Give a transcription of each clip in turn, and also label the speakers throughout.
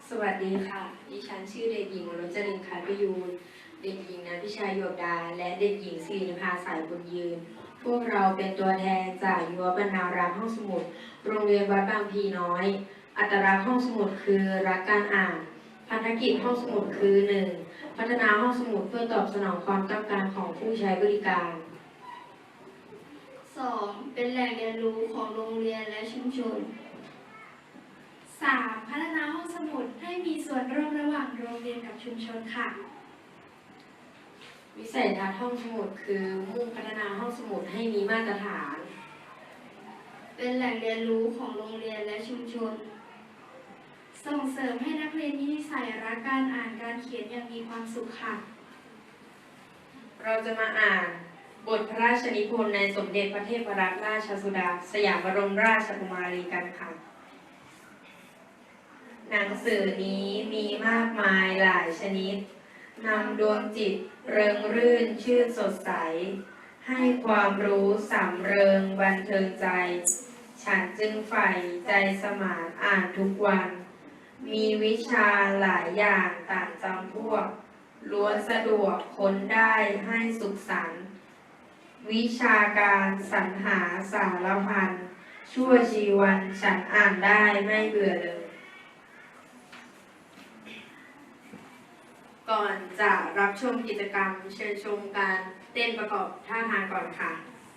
Speaker 1: สวัสดีค่ะดิฉันชื่อเด็กหญิงวรจรินทร์คันประยูรเด็กหญิงนันพิชาโยบดาและเด็กหญิงศิรินภาสายบุญยืนพวกเราเป็นตัวแทนจากยุวบรรณารักษ์ห้องสมุดโรงเรียนวัดบางพลีน้อยอัตลักษณ์ห้องสมุดคือรักการอ่านภารกิจห้องสมุดคือ 1. พัฒนาห้องสมุดเพื่อตอบสนองความต้องการของผู้ใช้บริการ
Speaker 2: 2. เป็นแหล่งเรียนรู้ของโรงเรียนและชุมชน
Speaker 3: 3. พัฒนาห้องสมุดให้มีส่วนร่วมระหว่างโรงเรียนกับชุมชนค่ะ
Speaker 1: วิสัยทัศน์ห้องสมุดคือมุ่งพัฒนาห้องสมุดให้มีมาตรฐาน
Speaker 2: เป็นแหล่งเรียนรู้ของโรงเรียนและชุมชน
Speaker 3: ส่งเสริมให้นักเรียนมีนิสัยรักการอ่านการเขียนอย่างมีความสุขค่ะ
Speaker 1: เราจะมาอ่านบทพระราชนิพนธ์ในสมเด็จพระเทพรัตนราชสุดาสยามบรมราชกุมารีกันค่ะหนังสือนี้มีมากมายหลายชนิดนำดวงจิตเริงรื่นชื่นสดใสให้ความรู้สำเริงบันเทิงใจฉันจึงใฝ่ใจสมานอ่านทุกวันมีวิชาหลายอย่างต่างจำพวกล้วนสะดวกค้นได้ให้สุขสันต์วิชาการสรรหาสารพันชั่วชีวันฉันอ่านได้ไม่เบื่อเลยก่อนจะรับชมกิจกรรมเชิญชมการเต้นประกอบท่าทางก่อนค่ะ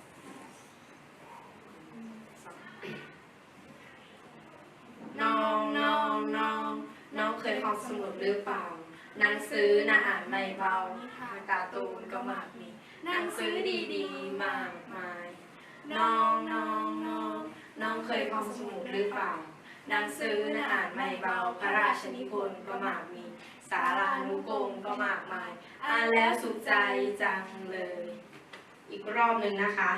Speaker 1: น้องน้องน้องน้องเคยท่องสมุดหรือเปล่าหนังสือน่าอ่านไม่เบานิทานการ์ตูนก็มากมีหนังสือดีๆมากมายน้องน้องน้องน้องเคยท่องสมุดหรือเปล่าหนังสือน่าอ่านไม่เบาพระราชนิพนธ์ก็มากมีสารานุกรมก็มากมายอ่านแล้วสุขใจจังเลยอีกรอบหนึ่งนะคะ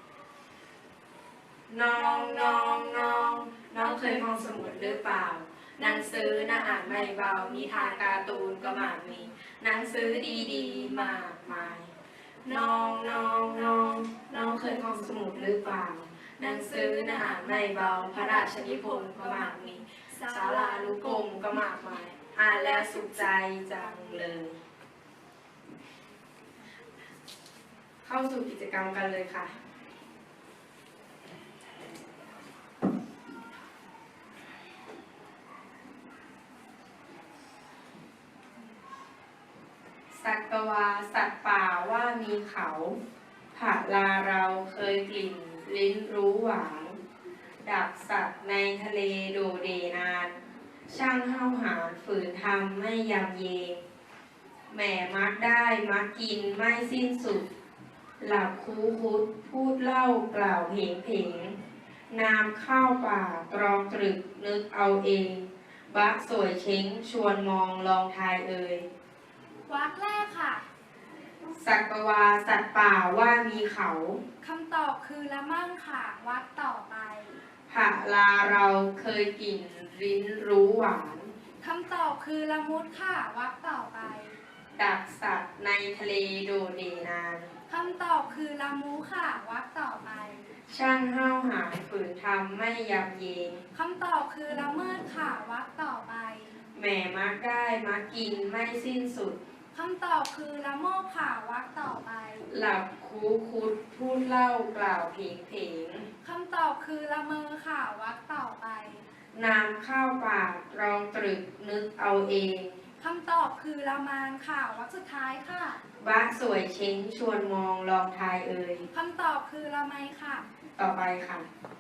Speaker 1: น้องน้องน้องน้องเคยท่องสมุดหรือเปล่าหนังสือน่าอ่านไม่เบานิทานการ์ตูนก็มากมีหนังสือดีๆมากมายน้องน้องน้องน้องเคยท่องสมุดหรือเปล่าหนังสือน่าอ่านไม่เบาพระราชนิพนธ์ก็มากมีศาลานุกรมก็มากมายอ่านแล้วสุขใจจังเลยเข้าสู่กิจกรรมกันเลยค่ะสัตวาสัตว์ป่าว่ามีเขาผักลาเราเคยกลิ่นลิ้นรู้หวานดักสัตว์ในทะเลโดเดนานช่างห้าวหาญฝืนทำไม่ยำเยแหม่มักได้มักกินไม่สิ้นสุดหลับคูคุดพูดเล่ากล่าวเพงเพงนามข้าวป่าตรองตรึกนึกเอาเองบักสวยเช้งชวนมองลองทายเอ่ยว
Speaker 3: รรคแรกค่ะ
Speaker 1: สัตวาสัตว์ป่าว่ามีเขา
Speaker 3: คำตอบคือละมั่งค่ะวรรคต่อไป
Speaker 1: ผักลาเราเคยกินลิ้นรู้หวาน
Speaker 3: คำตอบคือละมุดค่ะวรรคต่อไป
Speaker 1: ดักสัตว์ในทะเลโดเดนาน
Speaker 3: คำตอบคือละมูค่ะวรรคต่อไป
Speaker 1: ช่างห้าวหาญฝืนทำไม่ยำเยง
Speaker 3: คำตอบคือละเมิดค่ะวรรคต่อไป
Speaker 1: แหม่มักได้มักกินไม่สิ้นสุด
Speaker 3: คำตอบคือละโมบค่ะวรรคต่อไป
Speaker 1: หลับคูคุดพูดเล่ากล่าวเพงเพง
Speaker 3: คำตอบคือละเมอค่ะวรรคต่อไป
Speaker 1: นามข้าวป่ารองตรึกนึกเอาเอง
Speaker 3: คำตอบคือละมานค่ะวรรคสุดท้ายค่ะ
Speaker 1: บ้าสวยเช้งชวนมองลองทายเอ่ย
Speaker 3: คำตอบคือละไมค่ะ
Speaker 1: ต่อไปค่ะ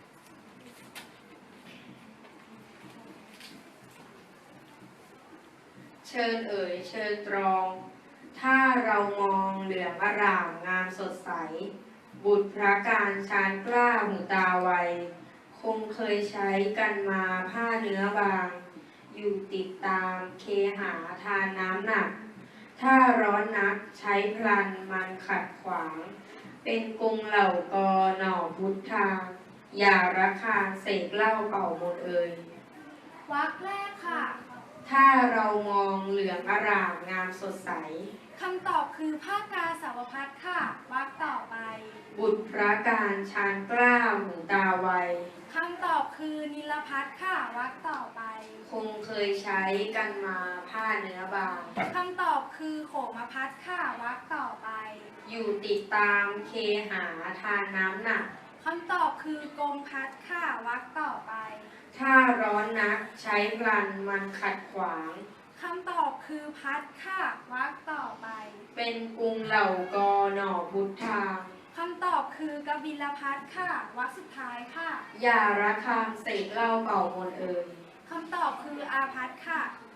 Speaker 1: เชิญเอ่ยเชิญตรองถ้าเรามองเหลืองอร่ามงามสดใสบุตรพระการชานกล้าหูตาไวคงเคยใช้กันมาผ้าเนื้อบางอยู่ติดตามเคหาทานน้ำหนักถ้าร้อนนักใช้พลันมันขัดขวางเป็นกรุงเหล่ากอหน่อพุทธาอย่าระคาเสกเหล้าเป่ามนเอ่ยว
Speaker 3: รรคแรกค่ะ
Speaker 1: ถ้าเรามองเหลืองอร่ามงามสดใส
Speaker 3: คำตอบคือผ้ากาสาวพัดค่ะวรรคต่อไป
Speaker 1: บุตรพระการชาญกล้าหูตาไว
Speaker 3: คำตอบคือนิลพัทค่ะวรรคต่อไป
Speaker 1: คงเคยใช้กันมาผ้าเนื้อบาง
Speaker 3: คำตอบคือโขมพัทค่ะวรรคต่อไป
Speaker 1: อยู่ติดตามเคหาทานน้ำหนัก
Speaker 3: คำตอบคือกรมพัดค่ะวรรคต่อไป
Speaker 1: ถ้าร้อนนักใช้พลันมันขัดขวาง
Speaker 3: คำตอบคือพัดค่ะวรรคต่อไป
Speaker 1: เป็นกรุงเหล่ากอหน่อพุทธา
Speaker 3: คำตอบคือกบิลพัทค่ะวรรคสุดท้ายค่ะ
Speaker 1: อย่าระคางเสกเหล่าเป่ามนต์เอ่ย
Speaker 3: คำตอบคืออาพัทค่ะ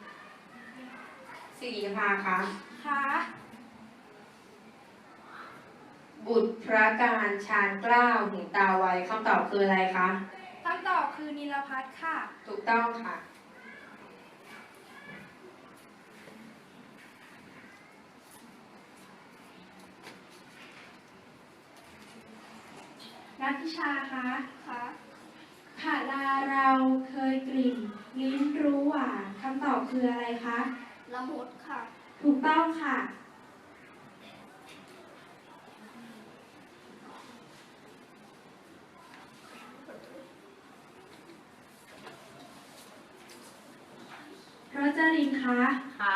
Speaker 1: สิริภาคะ
Speaker 3: ค่ะ
Speaker 1: บุตรพระการชาญกล้าหูตาไวคำตอบคืออะไรคะ
Speaker 3: คำตอบคือนิลพัทค่ะ
Speaker 1: ถูกต้องค่ะ
Speaker 3: นักพิชาคะ
Speaker 2: ค่ะ
Speaker 3: ผาลาเราเคยกลิ่น ลิ้นรู้หวานคำตอบคืออะไรคะ
Speaker 2: ละมุดค่ะ
Speaker 3: ถูกต้องค่ะ รจรินคะ
Speaker 1: ค่ะ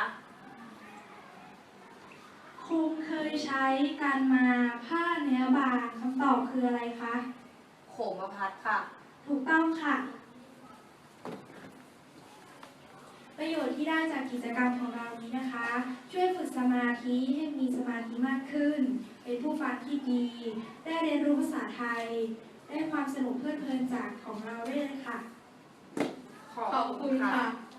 Speaker 3: คงเคยใช้การมาผ้าเนื้อบางคำตอบคืออะไรคะ
Speaker 1: โขมพัดค่ะ
Speaker 3: ถูกต้องค่ะ ประโยชน์ที่ได้จากกิจกรรมของเรานี้นะคะ ช่วยฝึกสมาธิให้มีสมาธิมากขึ้น เป็นผู้ฟังที่ดี ได้เรียนรู้ภาษาไทย ได้ความสนุกเพลิดเพลินจากของเราด้วยเลยค่ะ
Speaker 1: ขอบคุณค่ะ